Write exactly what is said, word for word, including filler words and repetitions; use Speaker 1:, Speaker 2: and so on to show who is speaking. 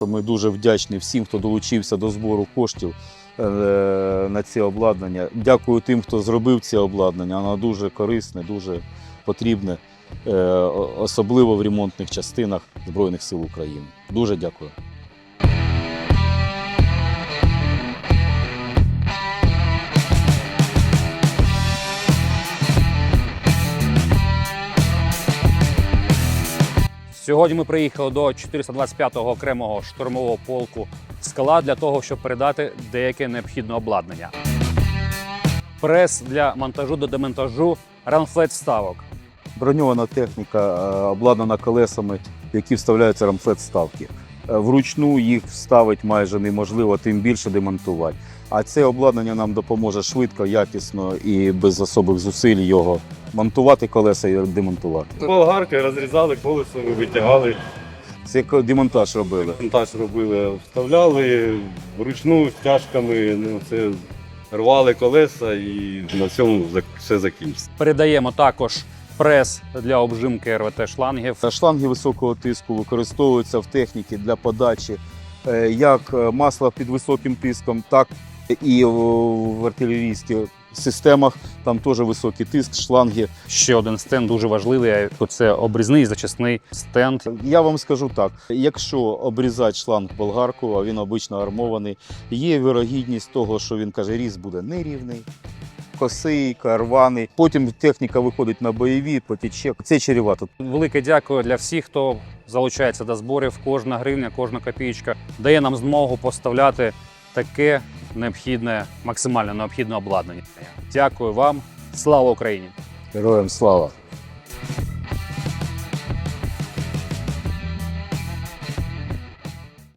Speaker 1: Ми дуже вдячні всім, хто долучився до збору коштів на це обладнання. Дякую тим, хто зробив це обладнання. Воно дуже корисне, дуже потрібне, особливо в ремонтних частинах Збройних сил України. Дуже дякую.
Speaker 2: Сьогодні ми приїхали до чотириста двадцять п'ятого окремого штурмового полку «Скала» для того, щоб передати деяке необхідне обладнання. Прес для монтажу до демонтажу рамфлет-вставок.
Speaker 1: Броньована техніка, обладнана колесами, які вставляються рамфлет-вставки. Вручну їх вставити майже неможливо, тим більше демонтувати. А це обладнання нам допоможе швидко, якісно і без особих зусиль його монтувати колеса і демонтувати.
Speaker 3: Болгарки розрізали, колесо витягали.
Speaker 1: Це демонтаж робили.
Speaker 3: Демонтаж робили, вставляли вручну стяжками, ну, це рвали колеса і на цьому все закінчиться.
Speaker 2: Передаємо також прес для обжимки ер ве те-шлангів.
Speaker 1: Шланги високого тиску використовуються в техніці для подачі як масла під високим тиском, так і в артилерійських системах. Там теж високий тиск, шланги.
Speaker 2: Ще один стенд дуже важливий – це обрізний зачисний стенд.
Speaker 1: Я вам скажу так, якщо обрізати шланг болгарку, а він обично армований, є вірогідність того, що він каже, різ буде нерівний, косий, рваний. Потім техніка виходить на бойові, потіче. Це чревато.
Speaker 2: Велике дякую для всіх, хто залучається до зборів. Кожна гривня, кожна копійка дає нам змогу поставляти таке необхідне, максимально необхідне обладнання. Дякую вам. Слава Україні!
Speaker 1: Героям слава!